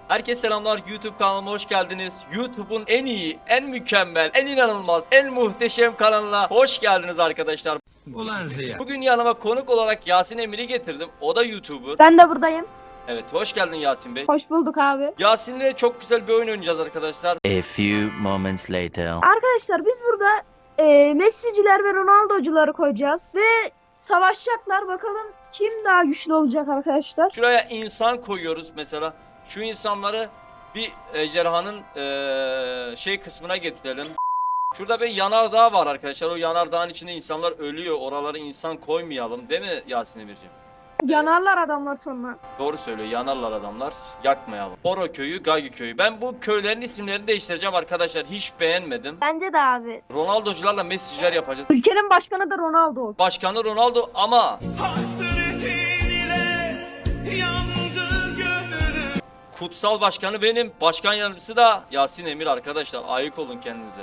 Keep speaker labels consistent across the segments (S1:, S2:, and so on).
S1: Herkese selamlar, YouTube kanalıma hoş geldiniz. YouTube'un en iyi, en mükemmel, en inanılmaz, en muhteşem kanalına hoş geldiniz arkadaşlar.
S2: Ulan Ziya.
S1: Bugün yanıma konuk olarak Yasin Emir'i getirdim. O da YouTuber.
S3: Ben de buradayım.
S1: Evet, hoş geldin Yasin Bey.
S3: Hoş bulduk abi.
S1: Yasin'le çok güzel bir oyun oynayacağız arkadaşlar.
S4: A few moments later.
S3: Arkadaşlar biz burada Messi'ciler ve Ronaldo'cuları koyacağız. Ve savaşacaklar. Bakalım kim daha güçlü olacak arkadaşlar.
S1: Şuraya insan koyuyoruz mesela. Şu insanları bir ejderhanın şey kısmına getirelim. Şurada bir yanardağ var arkadaşlar. O yanardağın içinde insanlar ölüyor. Oraları insan koymayalım. Değil mi Yasin Emir'ciğim?
S3: Yanarlar adamlar sonra.
S1: Doğru söylüyor. Yanarlar adamlar. Yakmayalım. Boro köyü, Gagi köyü. Ben bu köylerin isimlerini değiştireceğim arkadaşlar. Hiç beğenmedim.
S3: Bence de abi.
S1: Ronaldo'cularla Messi'ciler yapacağız.
S3: Ülkenin başkanı da Ronaldo olsun.
S1: Başkanı Ronaldo ama kutsal başkanı benim. Başkan yardımcısı da Yasin Emir arkadaşlar. Ayık olun kendinize.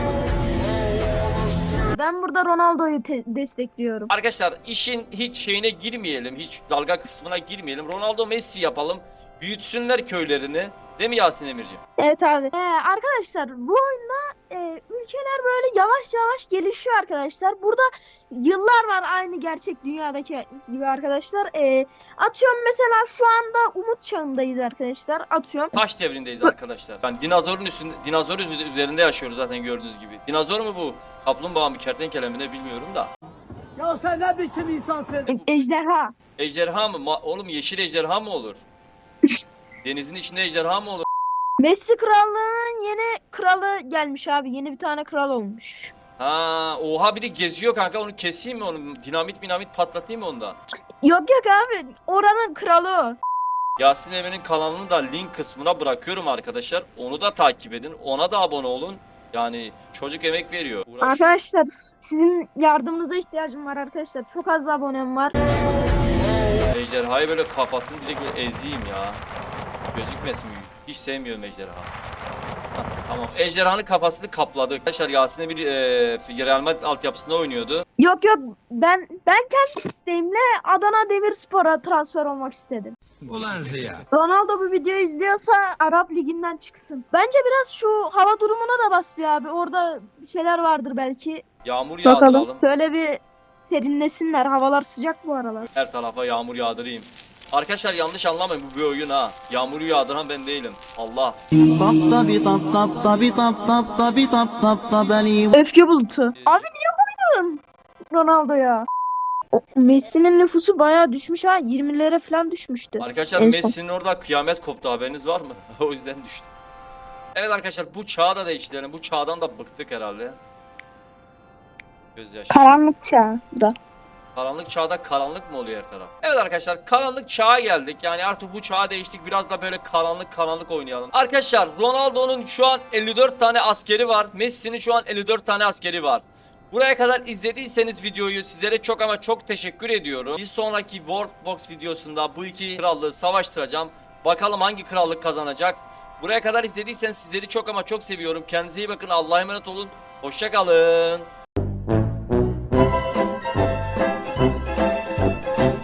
S3: Ben burada Ronaldo'yu destekliyorum.
S1: Arkadaşlar işin hiç şeyine girmeyelim. Hiç dalga kısmına girmeyelim. Ronaldo Messi yapalım. Büyütsünler köylerini. Değil mi Yasin Emirciğim?
S3: Evet abi. Arkadaşlar bu oyunda ülkeler böyle yavaş yavaş gelişiyor arkadaşlar. Burada yıllar var aynı gerçek dünyadaki gibi arkadaşlar. Atıyorum mesela şu anda Umut Çağı'ndayız arkadaşlar. Atıyorum.
S1: Taş devrindeyiz arkadaşlar. Yani dinozor üzerinde yaşıyoruz zaten gördüğünüz gibi. Dinozor mu bu? Kaplumbağa mı, kertenkele mi ne bilmiyorum da.
S5: Ya sen ne biçim insansın?
S3: Ejderha.
S1: Ejderha mı? Oğlum yeşil ejderha mı olur? Denizin içinde ejderha mı olur?
S3: Messi krallığının yeni kralı gelmiş abi. Yeni bir tane kral olmuş.
S1: Ha, oha bir de geziyor kanka, onu keseyim mi onu? Dinamit patlatayım mı ondan?
S3: Yok yok abi. Oranın kralı o.
S1: Yasin Emir'in kanalını da link kısmına bırakıyorum arkadaşlar. Onu da takip edin. Ona da abone olun. Yani çocuk emek veriyor. Uğraşıyor.
S3: Arkadaşlar sizin yardımınıza ihtiyacım var arkadaşlar. Çok az abonem var.
S1: Ejderhayı böyle kafasını direkt böyle ezeyim ya. Gözükmesin. Hiç sevmiyorum ejderha. Hah, tamam. Ejderhanın kafasını kapladı. Arkadaşlar Yasin bir Real Madrid altyapısında oynuyordu.
S3: Yok yok ben kendi isteğimle Adana Demirspor'a transfer olmak istedim.
S2: Ulan Ziya.
S3: Ronaldo bu videoyu izliyorsa Arap Ligi'nden çıksın. Bence biraz şu hava durumuna da bas bir abi. Orada bir şeyler vardır belki.
S1: Yağmur
S3: Bakalım.
S1: yağdıralım.
S3: Şöyle bir serinlesinler. Havalar sıcak bu aralar.
S1: Her tarafa yağmur yağdırayım. Arkadaşlar yanlış anlamayın, bu bir oyun ha. Yağmuru yağdıran ben değilim. Allah.
S3: Öfke bulutu. Abi niye koydun Ronaldo'ya? Messi'nin nüfusu bayağı düşmüş ha. 20'lere falan düşmüştü.
S1: Arkadaşlar
S3: En son.
S1: Messi'nin orada kıyamet koptu, haberiniz var mı? O yüzden düştü. Evet arkadaşlar bu çağı da değiştirelim. Bu çağdan da bıktık herhalde. Gözyaşı.
S3: Karanlık çağ da.
S1: Karanlık çağda karanlık mı oluyor her taraf? Evet arkadaşlar karanlık çağa geldik. Yani artık bu çağa değiştik. Biraz da böyle karanlık oynayalım. Arkadaşlar Ronaldo'nun şu an 54 tane askeri var. Messi'nin şu an 54 tane askeri var. Buraya kadar izlediyseniz videoyu sizlere çok ama çok teşekkür ediyorum. Bir sonraki World Box videosunda bu iki krallığı savaştıracağım. Bakalım hangi krallık kazanacak. Buraya kadar izlediyseniz sizleri çok ama çok seviyorum. Kendinize iyi bakın. Allah'a emanet olun. Hoşça kalın.